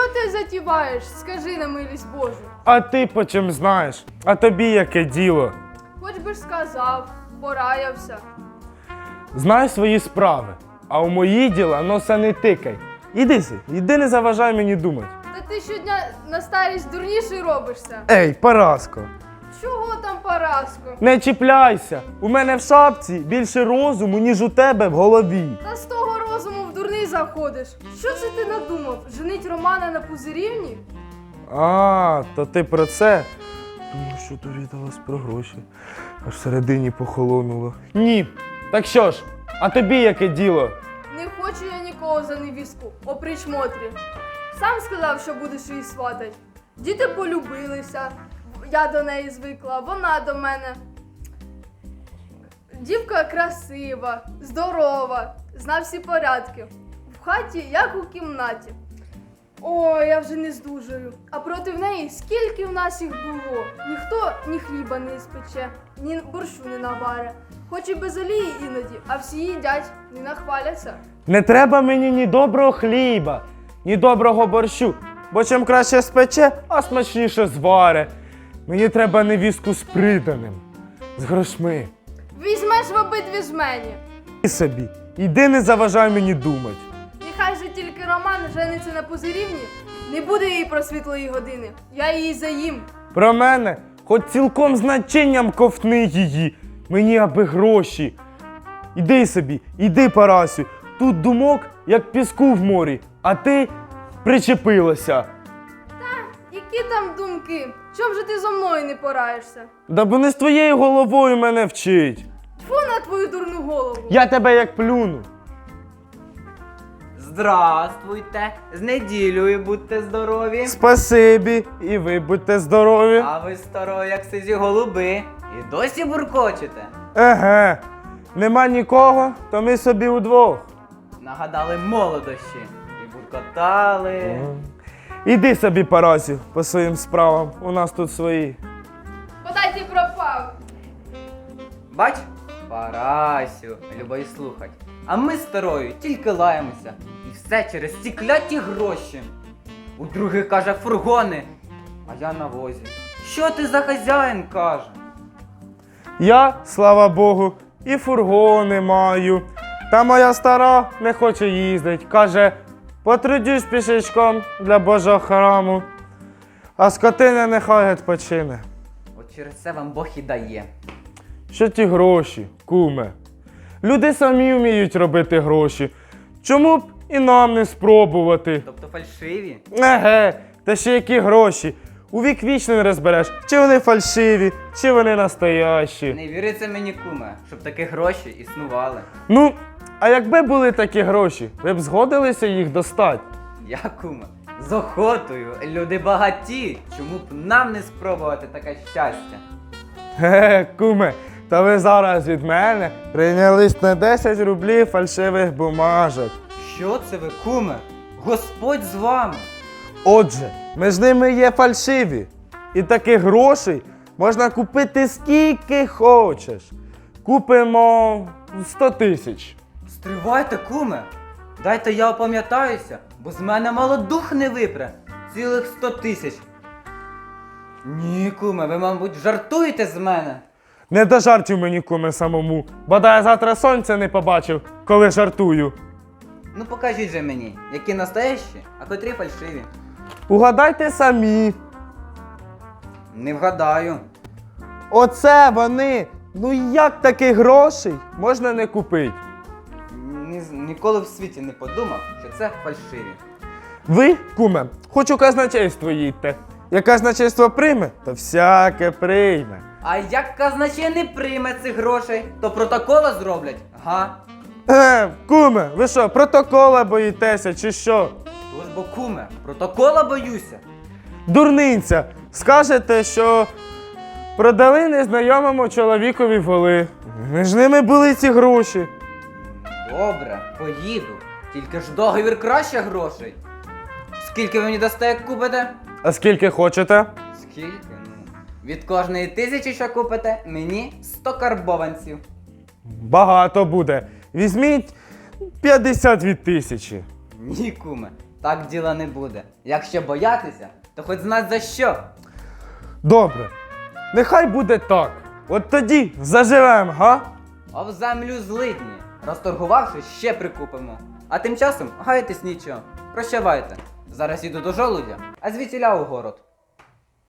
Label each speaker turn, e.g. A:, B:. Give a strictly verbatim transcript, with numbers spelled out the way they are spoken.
A: ти затіваєш? Скажи на милість Божу.
B: А ти по чим знаєш? А тобі яке діло?
A: Хоч би ж сказав, пораявся.
B: Знай свої справи, а у мої діла носа не тикай. Іди си, іди не заважай мені думати.
A: Та ти щодня на старість дурніший робишся.
B: Ей, Параско,
A: Чого там, Параско?
B: не чіпляйся. У мене в шапці більше розуму, ніж у тебе в голові.
A: Та з того розуму в дурний заходиш. Що це ти надумав? Женить Романа на Пузирівні?
B: А, то ти про це? Думаю, що довідалась про гроші. Аж всередині похолонуло. Ні. Так що ж, а тобі яке діло?
A: Не хочу я нікого за невістку, опріч Мотрі. Сам сказав, що будеш її сватать. Діти полюбилися, я до неї звикла, вона до мене. Дівка красива, здорова, зна всі порядки. В хаті, як у кімнаті. Ой, я вже не здужую. А проти неї скільки в нас їх було. Ніхто ні хліба не спече, ні борщу не наваре. Хоч і без олії іноді, а всі їдять, не нахваляться.
B: Не треба мені ні доброго хліба, ні доброго борщу, бо чим краще спече, а смачніше зваре. Мені треба невістку з приданим, з грошми.
A: Візьмеш в обидві жмені.
B: І собі, іди не заважай мені думати.
A: Нехай же тільки Роман жениться на Пузирівні, не буде їй про світлої години. Я її заїм.
B: Про мене, хоч цілком з начинням ковтни її, мені аби гроші. Іди собі, іди, Парасю, тут думок, як піску в морі, а ти причепилася.
A: Які там думки? Чом же ти зо мною не пораєшся?
B: Да бо не з твоєю головою мене вчить.
A: Тьфу на твою дурну голову.
B: Я тебе як плюну.
C: Здравствуйте! З неділею будьте здорові!
B: Спасибі, і ви будьте здорові.
C: А ви старої, як сизі голуби, і досі буркочете.
B: Еге, нема нікого, то ми собі удвох.
C: Нагадали молодощі і буркотали.
B: Іди собі, Парасю, по своїм справам, у нас тут свої.
A: Подай ти пропав.
C: Бач, Парасю, любий слухать. А ми з старою тільки лаємося. І все через ці кляті гроші. У других, каже, фургони, а я на возі. Що ти за хазяїн, каже?
B: Я, слава Богу, і фургони маю. Та моя стара не хоче їздить. Каже, потрудюсь пішечком для Божого храму. А скотина нехай відпочине.
C: От через це вам Бог і дає.
B: Що ті гроші, куме? Люди самі вміють робити гроші. Чому б і нам не спробувати?
C: Тобто фальшиві?
B: Еге, та ще які гроші. У вік вічно не розбереш, чи вони фальшиві, чи вони настоящі.
C: Не віриться мені, куме, щоб такі гроші існували.
B: Ну, а якби були такі гроші, ви б згодилися їх достати?
C: Я, куме, з охотою, люди багаті. Чому б нам не спробувати таке щастя?
B: Ге, куме, та ви зараз від мене прийнялись на десять рублів фальшивих бумажок.
C: Що це ви, куме? Господь з вами.
B: Отже, між ними є фальшиві. І таких грошей можна купити скільки хочеш. Купимо сто тисяч.
C: Стривайте, куме. Дайте я опам'ятаюся, бо з мене мало дух не випре. Цілих сто тисяч. Ні, куме, ви, мабуть, жартуєте з мене.
B: Не до жартів мені, куме, самому. Бодай я завтра сонця не побачив, коли жартую.
C: Ну покажіть же мені, які настоящі, а котрі фальшиві.
B: Угадайте самі.
C: Не вгадаю.
B: Оце вони. Ну як таких грошей можна не купити?
C: Ні, ніколи в світі не подумав, що це фальшиві.
B: Ви, куме, хоч у казначейство їдьте. Як казначейство прийме, то всяке прийме.
C: А як казначей не прийме цих грошей, то протокола зроблять, га?
B: Е, куме, ви що, протокола боїтеся чи що?
C: Тож бо, куме, протокола боюся.
B: Дурниця, скажете, що продали незнайомому чоловікові воли. Між ними були ці гроші.
C: Добре, поїду. Тільки ж договір краще грошей. Скільки ви мені дасте, як купите?
B: А скільки хочете?
C: Скільки? Ну, від кожної тисячі, що купите, мені сто карбованців.
B: Багато буде. Візьміть п'ятдесят від тисячі.
C: Ні, куме, Так діла не буде. Якщо боятися, то хоч знать за що.
B: Добре. Нехай буде так. От тоді заживем, га?
C: А в землю злидні. Розторгувавши, ще прикупимо. А тим часом гайтесь нічого. Прощавайте. Зараз іду до жолудя, а звідсіля у город.